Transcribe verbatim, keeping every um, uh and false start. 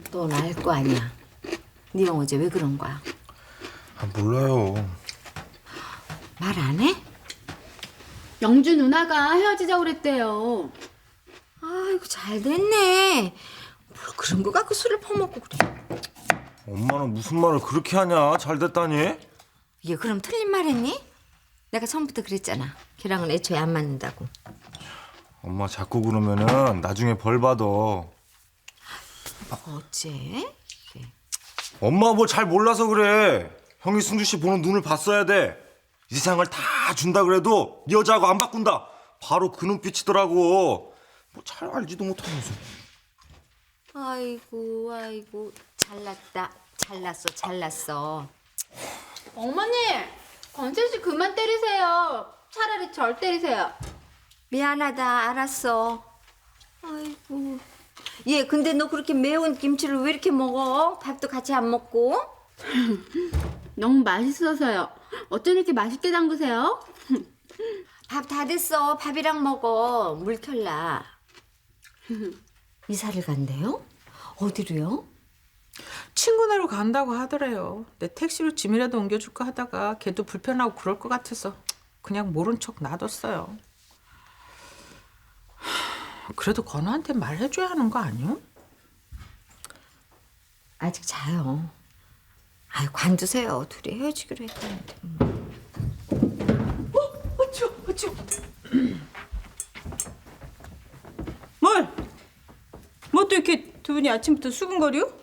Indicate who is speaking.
Speaker 1: 넌 알 거 아니야. 네 형 어제 왜 그런 거야?
Speaker 2: 아, 몰라요.
Speaker 1: 말 안 해?
Speaker 3: 영주 누나가 헤어지자고 그랬대요.
Speaker 1: 아이고 잘 됐네. 뭘 그런 거 갖고 술을 퍼먹고 그래.
Speaker 2: 엄마는 무슨 말을 그렇게 하냐? 잘 됐다니?
Speaker 1: 이게 그럼 틀린 말 했니? 내가 처음부터 그랬잖아. 걔랑은 애초에 안 맞는다고.
Speaker 2: 엄마 자꾸 그러면은 나중에 벌 받아.
Speaker 1: 어째?
Speaker 2: 엄마 뭐 잘 몰라서 그래. 형이 승주 씨 보는 눈을 봤어야 돼. 이 세상을 다 준다 그래도 네 여자하고 안 바꾼다. 바로 그 눈빛이더라고. 뭐 잘 알지도 못하면서.
Speaker 1: 아이고 아이고 잘났다. 잘났어 잘났어.
Speaker 3: 어머니, 건슬 씨 그만 때리세요. 차라리 절 때리세요.
Speaker 1: 미안하다 알았어. 아이고. 얘 근데 너 그렇게 매운 김치를 왜 이렇게 먹어? 밥도 같이 안 먹고?
Speaker 3: 너무 맛있어서요. 어쩜 이렇게 맛있게 담그세요?
Speaker 1: 밥 다 됐어. 밥이랑 먹어. 물 켤라. 이사를 간대요? 어디로요?
Speaker 4: 친구네로 간다고 하더래요. 내 택시로 짐이라도 옮겨줄까 하다가 걔도 불편하고 그럴 것 같아서 그냥 모른 척 놔뒀어요. 그래도 건우한테 말해줘야 하는 거 아니요?
Speaker 1: 아직 자요. 아유 관두세요. 둘이 헤어지기로 했다는데.
Speaker 4: 어쭈 어쭈 뭘? 뭐 또 이렇게 두 분이 아침부터 수근거려?